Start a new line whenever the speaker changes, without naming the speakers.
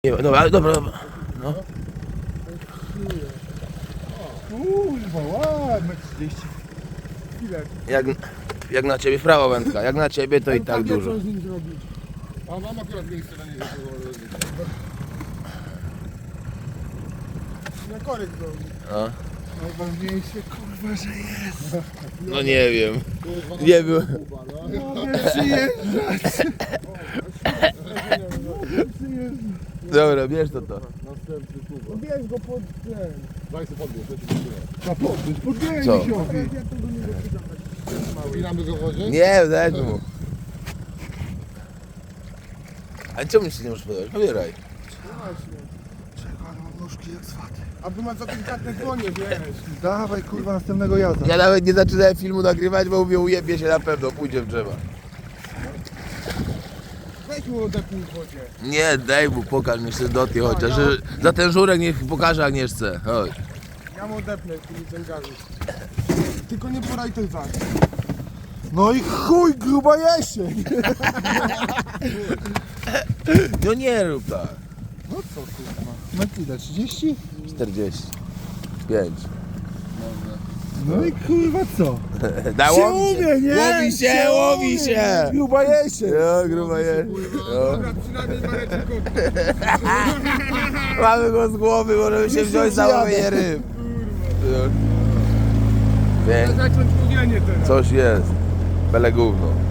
Nie, dobra, dobra. No.
Kurwa, ładne 30. Ile?
Jak na ciebie prawo wędka, jak na ciebie to i tak dużo.
Co z nim zrobić? A mam akurat miejsce na niego. Na korek zrobić.
No.
Najważniejsze kurwa, że jest.
No nie wiem. Nie wiem.
Mogę przyjeżdżać.
Dobra, bierz to.
Następny tuba. Bierz go pod ten. Daj sobie podbierz, ja ci podbierz. Podbierz
Co?
misiowi. Winamy go w wodzie?
Nie, daj mu. A czemu się nie możesz podać? Pobieraj.
Czekaj, ale mam nóżki jak swaty. A tu masz za delikatne dłonie, wiesz. Dawaj kurwa następnego jazda.
Ja nawet nie zaczynałem filmu nagrywać, bo mówię, ujebie się na pewno, pójdzie w drzewa.
Weź mu odepnij w wodzie.
Nie, daj mu, pokaż mi się doty chociaż, że za ten żurek niech pokaże Agnieszce. Chodź.
Ja mu odepnę, który ten gazu. Tylko nie poraj ten zak. No i chuj, gruba jesień.
No nie rób tak.
No co kurwa? No ile, 30?
45.
No i kurwa co?
Da,
Się umie, nie?
Łowi się, łowi się!
Gruba jesień.
No, gruba jest. No.
Dobra, przynajmniej Mareczko.
Mamy go z głowy, możemy się wziąć za łowienie ryb. No. Pięknie.
Zacząć mówienie teraz.
Coś jest. Bele gówno.